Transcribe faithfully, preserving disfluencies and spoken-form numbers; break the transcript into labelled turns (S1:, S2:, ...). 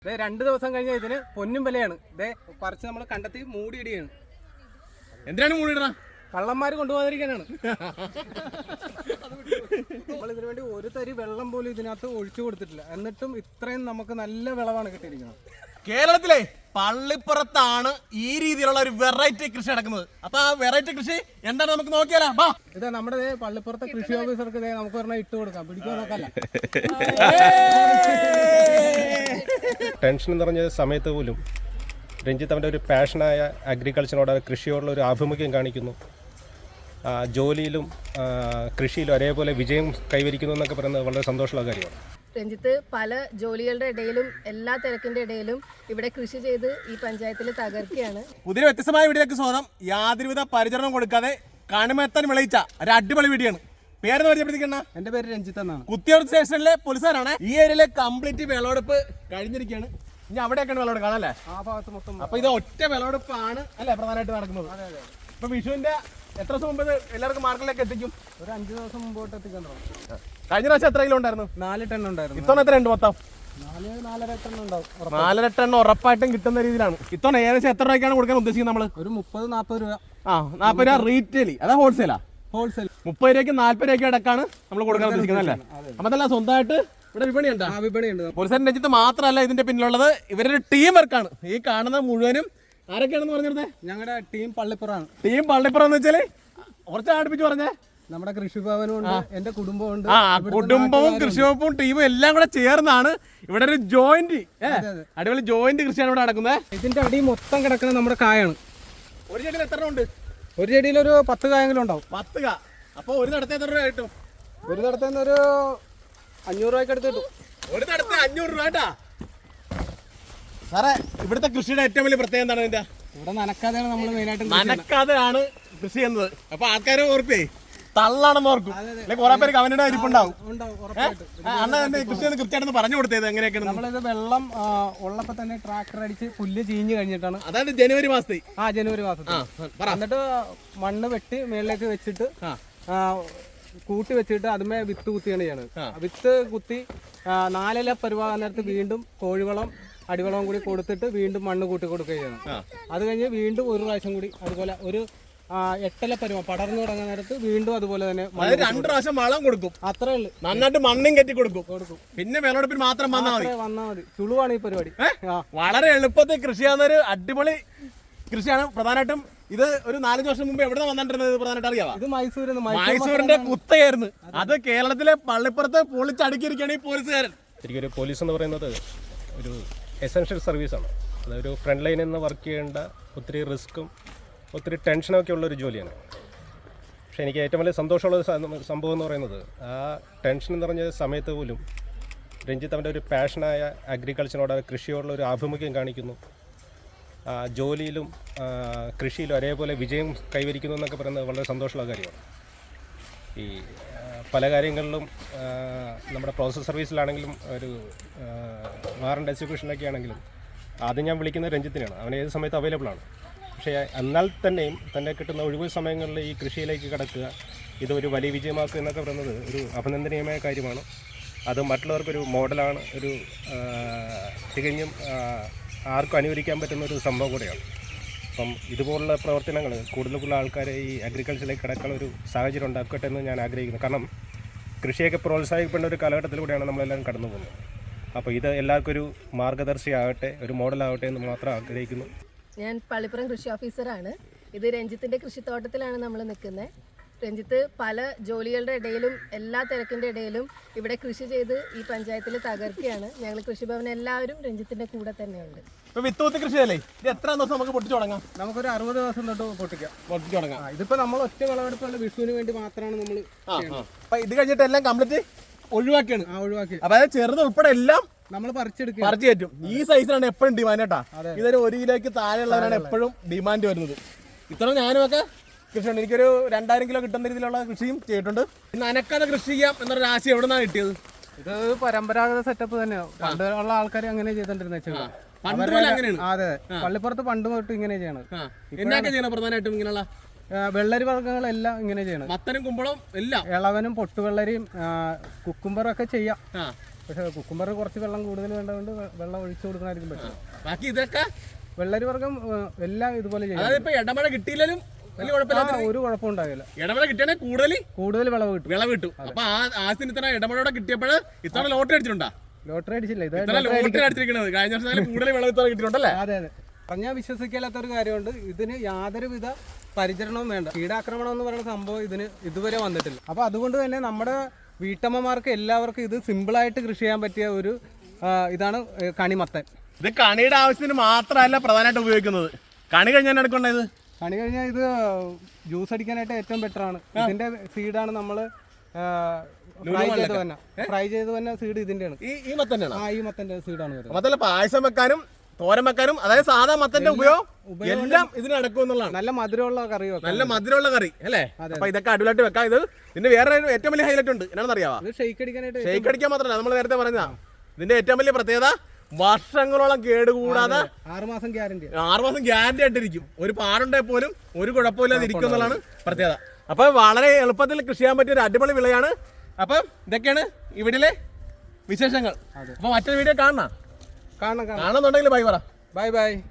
S1: രണ്ട് ദിവസം കഴിഞ്ഞ ഇതിന് പൊന്നും വിലയാണ്. ഇതേ പറിച്ച് നമ്മൾ കണ്ടെത്തി മൂടിയിടുകയാണ്.
S2: എന്തിനാണ് മൂടിയിടണ?
S1: കള്ളന്മാർ കൊണ്ടുപോകാതിരിക്കാനാണ്. നമ്മൾ ഇതിനു വേണ്ടി ഒരു തരി വെള്ളം പോലും ഇതിനകത്ത് ഒഴിച്ചു കൊടുത്തിട്ടില്ല. എന്നിട്ടും ഇത്രയും നമുക്ക് നല്ല വിളവാണ് കിട്ടിയിരിക്കുന്നത്.
S2: കേരളത്തിലെ പള്ളിപ്പുറത്താണ് ഈ രീതിയിലുള്ള ഒരു വെറൈറ്റി കൃഷി നടക്കുന്നത്. അപ്പൊ ആ വെറൈറ്റി കൃഷി എന്താണ് നമുക്ക് നോക്കിയാലോ?
S1: ഇത് നമ്മുടെ പള്ളിപ്പുറത്തെ കൃഷി ഓഫീസർക്ക് നമുക്ക് പറഞ്ഞാൽ ഇട്ട് കൊടുക്കാം. പിടിക്കാൻ നോക്കല്ല.
S3: ടെൻഷൻ നിറഞ്ഞ സമയത്ത് പോലും രഞ്ജിത്ത് അവൻ്റെ ഒരു പാഷനായ അഗ്രികൾച്ചറിനോട് കൃഷിയോടുള്ള ഒരു ആഭിമുഖ്യം കാണിക്കുന്നു. ജോലിയിലും കൃഷിയിലും ഒരേപോലെ വിജയം കൈവരിക്കുന്നു എന്നൊക്കെ പറയുന്നത് വളരെ സന്തോഷമുള്ള കാര്യമാണ്.
S4: രഞ്ജിത്ത് പല ജോലികളുടെ ഇടയിലും എല്ലാ തിരക്കിന്റെ ഇടയിലും ഇവിടെ കൃഷി ചെയ്ത് ഈ പഞ്ചായത്തിൽ തകർക്കുകയാണ്.
S2: പുതിയ വ്യത്യസ്തമായ വീഡിയോക്ക് സ്വാഗതം. യാതൊരുവിധ പരിചരണം കൊടുക്കാതെ കണിമെത്താൻ വിളയിച്ച ഒരു അടിപൊളി വീഡിയോ ആണ്. പേരെന്ന് പരിചയപ്പെടുത്തിക്കണ?
S1: എന്റെ പേര് രഞ്ജിത്ത് എന്നാണ്.
S2: കുത്തിയോട് സ്റ്റേഷനിലെ പോലീസുകാരാണ്. ഈ ഏരിയയിലെ കംപ്ലീറ്റ് വിളവെടുപ്പ് കഴിഞ്ഞിരിക്കുകയാണ്. ഇനി അവിടെയൊക്കെയാണ് വിളവെടുപ്പ് കാണാല്ലേ?
S1: ആ ഭാഗത്ത് മൊത്തം.
S2: അപ്പൊ ഇത് ഒറ്റ വിളവെടുപ്പാണ് അല്ലെ പ്രധാനമായിട്ട് നടക്കുന്നത്. ഇപ്പൊ വിഷുവിന്റെ എത്ര ദിവസം മുമ്പ് എല്ലാവർക്കും മാർക്കറ്റിലേക്ക് എത്തിക്കും?
S1: ഒരു അഞ്ചു ദിവസം മുമ്പോട്ട് എത്തിക്കാൻ തുടങ്ങും.
S2: കഴിഞ്ഞ പ്രാവശ്യം എത്ര കിലോ ഉണ്ടായിരുന്നു?
S1: നാല് ടൺ ഉണ്ടായിരുന്നു.
S2: ഇത്തവണ എത്ര ഉണ്ട് മൊത്തം?
S1: നാല് നാലര ടൺ ഉണ്ടാവും.
S2: നാലര ടൺ ഉറപ്പായിട്ടും കിട്ടുന്ന രീതിയിലാണ്. ഇത്തവണ ഏകദേശം എത്ര രൂപയ്ക്കാണ് കൊടുക്കാൻ ഉദ്ദേശിക്കുന്നത് നമ്മള്?
S1: ഒരു മുപ്പത് നാൽപ്പത് രൂപ.
S2: ആ നാൽപ്പത് രൂപ റീറ്റെയിൽ, അതാ ഹോൾസെയിലാ?
S1: ഹോൾസെയിൽ
S2: മുപ്പത് രൂപയ്ക്ക് നാല്പത് രൂപയ്ക്ക് അടക്കാണ് നമ്മൾ കൊടുക്കാൻ ഉദ്ദേശിക്കുന്നത് അല്ലേ? അപ്പൊ അതല്ല സ്വന്തമായിട്ട് ഇവിടെ വിപണി ഉണ്ട്.
S1: വിപണിയുണ്ട്.
S2: പോലീസുകാരൻ രഞ്ജിത്ത് മാത്രമല്ല ഇതിന്റെ പിന്നിലുള്ളത്. ഇവരൊരു ടീം വർക്കാണ്. ഈ കാണുന്ന മുഴുവനും ആരൊക്കെയാണെന്ന് പറഞ്ഞിരുന്നത്?
S1: ഞങ്ങളുടെ ടീം പള്ളിപ്പുറമാണ്.
S2: ടീം പള്ളിപ്പുറം എന്ന് വെച്ചാല് കുറച്ച് അടുപ്പിച്ച് പറഞ്ഞേ.
S1: നമ്മുടെ കൃഷിഭവനും ഉണ്ട്, എന്റെ കുടുംബമുണ്ട്.
S2: ആ കുടുംബവും കൃഷിവകുപ്പും ടീമും എല്ലാം കൂടെ ചേർന്നാണ് ഇവിടെ ഒരു ജോയിന്റ് അടിപൊളി ജോയിന്റ് കൃഷിയാണ് ഇവിടെ നടക്കുന്നത്.
S1: ഇതിന്റെ അടി മൊത്തം കിടക്കുന്നത് നമ്മുടെ കായാണ്.
S2: ഒരു ചെടിയിൽ എത്ര ഉണ്ട്?
S1: ഒരു ചെടിയിൽ ഒരു പത്ത് കായെങ്കിലും ഉണ്ടാവും.
S2: പത്ത് കാ. അപ്പൊ ഒരു നടത്ത എത്ര രൂപ കിട്ടും?
S1: ഒരു നടത്തുന്ന ഒരു അഞ്ഞൂറ് രൂപയ്ക്ക് അടുത്ത് കിട്ടും.
S2: ഒരു നടത്ത അഞ്ഞൂറ് രൂപ കേട്ടാ. സാറേ ഇവിടുത്തെ കൃഷിയുടെ ഏറ്റവും വലിയ പ്രത്യേകത എന്താണ്? ഇതിന്റെ
S1: ഇവിടെ നനക്കാതെയാണ് നമ്മൾ മെയിനായിട്ട്
S2: നനക്കാതെയാണ് കൃഷി ചെയ്യുന്നത്. അപ്പൊ ആൾക്കാരെ ഓർപ്പേ തള്ളാണെന്ന് ഓർക്കും. അല്ലെങ്കിൽ കുറെ പേര് കവനയുടെ അരിപ്പുണ്ടാവും. അണ്ണ കൃഷി ഒന്ന് കൃത്യമായിട്ട് പറഞ്ഞു കൊടുത്തത് എങ്ങനെയൊക്കെയാണ്?
S1: നമ്മളിത് വെള്ളം ഉള്ളപ്പോ തന്നെ ട്രാക്ടർ അടിച്ച് പുല്ല് ചീഞ്ഞ് കഴിഞ്ഞിട്ടാണ്.
S2: അതായത് ജനുവരി മാസത്തെ.
S1: ആ ജനുവരി മാസത്തിൽ. എന്നിട്ട് മണ്ണ് വെട്ടി മേളിലേക്ക് വെച്ചിട്ട് കൂട്ടി വെച്ചിട്ട് അതുമേ വിത്ത് കുത്തിയാണ് ചെയ്യണത്. വിത്ത് കുത്തി നാലില പരുവാകാൻ നേരത്ത് വീണ്ടും കോഴിവളം അടിവളവും കൂടി കൊടുത്തിട്ട് വീണ്ടും മണ്ണ് കൂട്ടി കൊടുക്കുകയാണ്. അത് കഴിഞ്ഞ് വീണ്ടും ഒരു പ്രാവശ്യം കൂടി അതുപോലെ ഒരു എട്ടല പരുവ പടർന്നു തുടങ്ങുന്ന നേരത്ത് വീണ്ടും അതുപോലെ തന്നെ
S2: രണ്ട് പ്രാവശ്യം വളം കൊടുക്കും.
S1: അത്രേ ഉള്ളു.
S2: നന്നായിട്ട് മണ്ണും കെട്ടി കൊടുക്കും കൊടുക്കും പിന്നെ വിളവെടുപ്പിന് മാത്രം വന്നാൽ മതി.
S1: വന്നാൽ മതി. ചുളുവാണ് ഈ പരിപാടി.
S2: വളരെ എളുപ്പത്തിൽ കൃഷി ചെയ്യുന്ന ഒരു അടിപൊളി കൃഷിയാണ്. പ്രധാനമായിട്ടും ഇത് ഒരു നാലഞ്ച് വർഷം മുമ്പ് എവിടെ വന്നിട്ടുള്ളത് പ്രധാനമായിട്ട് അറിയാം?
S1: ഇത് മൈസൂരിൽ
S2: മൈസൂരിന്റെ കുത്തയായിരുന്നു. അത് കേരളത്തിലെ പള്ളിപ്പുറത്ത് പൊളിച്ചടുക്കിയിരിക്കുകയാണ് ഈ പോലീസുകാരൻ.
S3: ശരിക്കും ഒരു പോലീസ് എന്ന് പറയുന്നത് ഒരു എസെൻഷ്യൽ സർവീസാണ്. അതൊരു ഫ്രണ്ട് ലൈനിൽ നിന്ന് വർക്ക് ചെയ്യേണ്ട ഒത്തിരി റിസ്ക്കും ഒത്തിരി ടെൻഷനൊക്കെ ഉള്ളൊരു ജോലിയാണ്. പക്ഷേ എനിക്ക് ഏറ്റവും വലിയ സന്തോഷമുള്ള സംഭവം എന്ന് പറയുന്നത് ആ ടെൻഷൻ നിറഞ്ഞ സമയത്ത് പോലും രഞ്ജിത്ത് അവൻ്റെ ഒരു പാഷനായ അഗ്രികൾച്ചറിനോട് കൃഷിയോടുള്ള ഒരു ആഭിമുഖ്യം കാണിക്കുന്നു. ജോലിയിലും കൃഷിയിലും ഒരേപോലെ വിജയം കൈവരിക്കുന്നു എന്നൊക്കെ പറയുന്നത് വളരെ സന്തോഷമുള്ള കാര്യമാണ്. ഈ പല കാര്യങ്ങളിലും നമ്മുടെ പ്രോസസ് സർവീസിലാണെങ്കിലും ഒരു വാറണ്ട് എക്സിക്യൂഷനിലൊക്കെ ആണെങ്കിലും ആദ്യം ഞാൻ വിളിക്കുന്നത് രഞ്ജിത്തിനാണ്. അവൻ ഏത് സമയത്ത് അവൈലബിൾ ആണ്. പക്ഷേ എന്നാൽ തന്നെയും തന്നെ കിട്ടുന്ന ഒഴിവ് സമയങ്ങളിൽ ഈ കൃഷിയിലേക്ക് കടക്കുക, ഇതൊരു വലിയ വിജയമാക്കുക എന്നൊക്കെ പറയുന്നത് ഒരു അഭിനന്ദനീയമായ കാര്യമാണ്. അത് മറ്റുള്ളവർക്കൊരു മോഡലാണ്. ഒരു തികഞ്ഞും ആർക്കും അനുകരിക്കാൻ പറ്റുന്ന ഒരു സംഭവം കൂടെയാണ്. അപ്പം ഇതുപോലുള്ള പ്രവർത്തനങ്ങൾ കൂടുതൽ കൂടുതൽ ആൾക്കാരെ ഈ അഗ്രികൾച്ചറിലേക്ക് കിടക്കാനുള്ള ഒരു സാഹചര്യം ഉണ്ടാക്കട്ടെ എന്ന് ഞാൻ ആഗ്രഹിക്കുന്നു. കാരണം കൃഷിയൊക്കെ പ്രോത്സാഹിപ്പിക്കേണ്ട ഒരു കാലഘട്ടത്തിലൂടെയാണ് നമ്മളെല്ലാം കടന്നു പോകുന്നത്. അപ്പോൾ ഇത് എല്ലാവർക്കും ഒരു മാർഗദർശിയാകട്ടെ, ഒരു മോഡലാകട്ടെ എന്ന് മാത്രം ആഗ്രഹിക്കുന്നു.
S4: ഞാൻ പള്ളിപ്പുറം കൃഷി ഓഫീസറാണ്. ഇത് രഞ്ജിത്തിന്റെ കൃഷിത്തോട്ടത്തിലാണ് നമ്മൾ നിൽക്കുന്നത്. രഞ്ജിത്ത് പല ജോലികളുടെ ഇടയിലും എല്ലാ തിരക്കിന്റെ ഇടയിലും ഇവിടെ കൃഷി ചെയ്ത് ഈ പഞ്ചായത്തിൽ തകർക്കുകയാണ്. ഞങ്ങൾ കൃഷിഭവൻ എല്ലാവരും രഞ്ജിത്തിന്റെ കൂടെ തന്നെയുണ്ട്.
S2: വിത്ത് കൃഷിയല്ലേ? ഇത് എത്ര ദിവസം നമുക്ക് പൊട്ടിച്ചു തുടങ്ങാം?
S1: നമുക്കൊരു അറുപത് ദിവസം തൊട്ട് പൊട്ടിക്കാം
S2: പൊട്ടിച്ചു തുടങ്ങാം.
S1: ഇതിപ്പോ നമ്മൾ ഒറ്റ വിളവെടുപ്പുള്ള വിഷുവിന് വേണ്ടി മാത്രമാണ് നമ്മൾ.
S2: അപ്പൊ ഇത് കഴിഞ്ഞിട്ട് എല്ലാം കംപ്ലീറ്റ് ഒഴിവാക്കിയാണ്.
S1: ആ ഒഴിവാക്കി.
S2: അതായത് ചെറുത് ഉൾപ്പെടെ എല്ലാം
S1: നമ്മൾ പറിച്ചെടുക്കും.
S2: പറിച്ചു കയറ്റും. ഈ സൈസിലാണ് എപ്പോഴും ഡിമാൻഡ് കേട്ടാ. ഇതൊരു ഒരു കിലോയ്ക്ക് താഴെയുള്ളവരാണ് എപ്പോഴും ഡിമാൻഡ് വരുന്നത്. ഇത്ര ഞാനും ഒക്കെ കൃഷിയുണ്ട്. എനിക്കൊരു രണ്ടായിരം കിലോ കിട്ടുന്ന രീതിയിലുള്ള കൃഷിയും ചെയ്തിട്ടുണ്ട്. നനക്കാതെ കൃഷി ചെയ്യാം എന്നൊരു ആശയം എവിടെ നിന്നാണ് കിട്ടിയത്?
S1: ഇത് പരമ്പരാഗത സെറ്റപ്പ് തന്നെയാണ്. പണ്ട് ഉള്ള ആൾക്കാർ അങ്ങനെ ചെയ്തോണ്ടിരുന്നത്. അതെ, പള്ളിപ്പുറത്ത് പണ്ട് തൊട്ട് ഇങ്ങനെ ചെയ്യണം.
S2: എന്നൊക്കെ ചെയ്യണം പ്രധാനമായിട്ടും ഇങ്ങനെയുള്ള
S1: വെള്ളരി വർഗ്ഗങ്ങളെല്ലാം ഇങ്ങനെ ചെയ്യണം.
S2: മത്തനും കുമ്പളം എല്ലാം,
S1: ഇളവനും പൊട്ടുവെള്ളരിയും കുക്കുംബറും ഒക്കെ ചെയ്യാം. പക്ഷെ കുക്കുംബർ കുറച്ച് വെള്ളം കൂടുതൽ വേണ്ടതുകൊണ്ട് വെള്ളം ഒഴിച്ചു കൊടുക്കണമായിരിക്കും പറ്റും.
S2: ബാക്കി ഇതൊക്കെ
S1: വെള്ളരി വർഗ്ഗം എല്ലാം ഇതുപോലെ ചെയ്യാം.
S2: അതായത് ഇപ്പൊ ഇടമഴ കിട്ടിയില്ലെങ്കിലും വലിയ കുഴപ്പമില്ല,
S1: ഒരു കുഴപ്പം ഉണ്ടാകില്ല.
S2: ഇടമഴ കിട്ടിയാണെങ്കിൽ കൂടുതൽ
S1: കൂടുതൽ വിളവ് കിട്ടും.
S2: വിളവ് കിട്ടും. അപ്പൊ ആ ആസിന് ഇത്ര ഇടമഴയോടെ കിട്ടിയപ്പോൾ ഇത്ര ലോട്ടറി അടിച്ചിട്ടുണ്ടാ?
S1: ലോട്ടറി അടിച്ചില്ല, ഇത്
S2: ഇത്ര ലോട്ടറി അടിച്ചിരിക്കുന്നത് കഴിഞ്ഞ വർഷം കൂടുതൽ വിളവ് ഇത്ര കിട്ടിയിട്ടുണ്ടല്ലേ?
S1: അതെ അതെ. പറഞ്ഞാൽ വിശ്വസിക്കാത്ത ഒരു കാര്യമുണ്ട്, ഇതിന് യാതൊരുവിധ പരിചരണവും വേണ്ട. കീടാക്രമണം എന്ന് പറയുന്ന സംഭവം ഇതിന് ഇതുവരെ വന്നിട്ടില്ല. അപ്പോൾ അതുകൊണ്ട് തന്നെ നമ്മുടെ വീട്ടമ്മമാർക്ക് എല്ലാവർക്കും ഇത് സിമ്പിളായിട്ട് കൃഷി ചെയ്യാൻ പറ്റിയ ഒരു ഇതാണ് കണിമത്തൻ.
S2: ഇത് കണിയുടെ ആവശ്യത്തിന് മാത്രമല്ല പ്രധാനമായിട്ട് ഉപയോഗിക്കുന്നത്. കണി കഴിഞ്ഞാൽ എടുക്കേണ്ടത്
S1: കണി കഴിഞ്ഞാൽ ഇത് ജ്യൂസ് അടിക്കാനായിട്ട് ഏറ്റവും ബെറ്റർ ആണ്. ഇതിന്റെ സീഡാണ് നമ്മൾ ഫ്രൈ ചെയ്ത് തന്നെ ഫ്രൈ ചെയ്ത് തന്നെ സീഡ് ഇതിന്റെയാണ്.
S2: ഈ ഈ മത്തനാണ്.
S1: ആ ഈ മത്തന്റെ സീഡാണ് വരുന്നത്.
S2: മത്തല്ല പായസം വെക്കാനും തോരൻ വെക്കാനും, അതായത് സാധാ മത്തന്റെ ഉപയോഗം എല്ലാം ഇതിന് നടക്കും എന്നുള്ളതാണ്.
S1: നല്ല മധുരമുള്ള കറി വെക്കാം,
S2: നല്ല മധുരമുള്ള കറി അല്ലേ? അപ്പൊ ഇതൊക്കെ അടിപൊളിയായിട്ട് വെക്കാം. ഇത് ഇതിന്റെ വേറെ ഏറ്റവും വലിയ ഹൈലൈറ്റ് ഉണ്ട്, എന്നാണെന്ന് അറിയാവാ?
S1: ഇത് ഷെയ്ക്ക് അടിക്കാനായിട്ട്
S2: ഷെയ്ക്ക് അടിക്കാൻ മാത്രമല്ല, നമ്മൾ നേരത്തെ പറഞ്ഞതാ ഇതിന്റെ ഏറ്റവും വലിയ പ്രത്യേകത വർഷങ്ങളോളം കേടുകൂടാതെ
S1: ആറുമാസം ഗ്യാരണ്ടി
S2: ആറുമാസം ഗ്യാരണ്ടി ആയിട്ടിരിക്കും. ഒരു പാടുണ്ടെങ്കിൽ പോലും ഒരു കുഴപ്പമില്ലാതെ ഇരിക്കും എന്നുള്ളതാണ് പ്രത്യേകത. അപ്പൊ വളരെ എളുപ്പത്തിൽ കൃഷി ചെയ്യാൻ പറ്റിയ ഒരു അടിപൊളി വിളയാണ്. അപ്പം ഇതൊക്കെയാണ് ഇവിടിലെ വിശേഷങ്ങൾ. അപ്പൊ മറ്റൊരു വീഡിയോ കാണണം
S1: കാണണം കാണണം
S2: കാണുന്നുണ്ടെങ്കിൽ ബൈ പറ.
S1: Bye by.